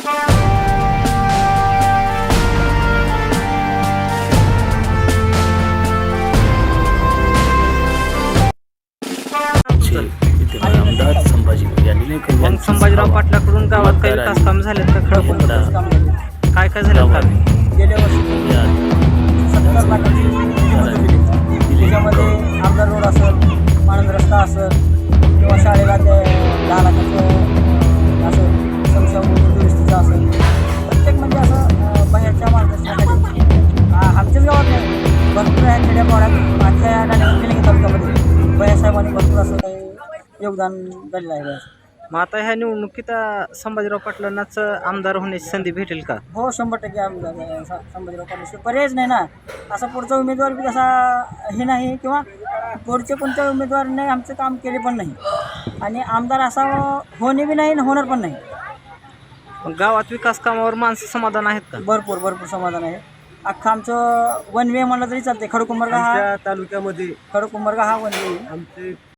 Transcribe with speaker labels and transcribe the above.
Speaker 1: आमदार संभाजी यांनी
Speaker 2: मग संभाजीराव पाटलाकडून गावात काही विकास काम झालेत का? खडकूंबरला काय काय झालं काम?
Speaker 3: गेल्या वर्षी 70 लाखाची निधी मंजूर केली. त्याच्यामध्ये आमदार रोड असेल, मानंद रस्ता असेल किंवा शाळेला ते 10 लाखाचं असं समस्या दुरुस्तीचं असेल, प्रत्येक म्हणजे असं बाहेरच्या मार्गदर्शनाखाली आमच्याच गावात नाही, भरपूर आहे खेड्यापाड्यात माझ्या या गाण्यामध्ये तालुक्यामध्ये भैयासाहेबांनी भरपूर असं काही योगदान दिलेलं आहे.
Speaker 2: मग आता ह्या निवडणुकीत संभाजीराव पाटलांनाच आमदार होण्याची संधी भेटेल का?
Speaker 3: हो 100% आमदार संभाजीराव पाटलाशिवाय पर्यायच नाही ना. असा पुढचा उमेदवार बी तसा हे नाही किंवा पुढचे कोणत्या उमेदवाराने आमचं काम केले पण नाही आणि आमदार असा होणे बी नाही आणि होणार पण नाही.
Speaker 2: मग गावात विकास कामावर माणसं समाधान आहेत का?
Speaker 3: भरपूर भरपूर समाधान आहे. अख्खा आमचं वन वे म्हणलं तरी चालते. खडकूंबरगा हा
Speaker 1: तालुक्यामध्ये
Speaker 3: खडकूंबरगा हा वन वे
Speaker 1: आमचे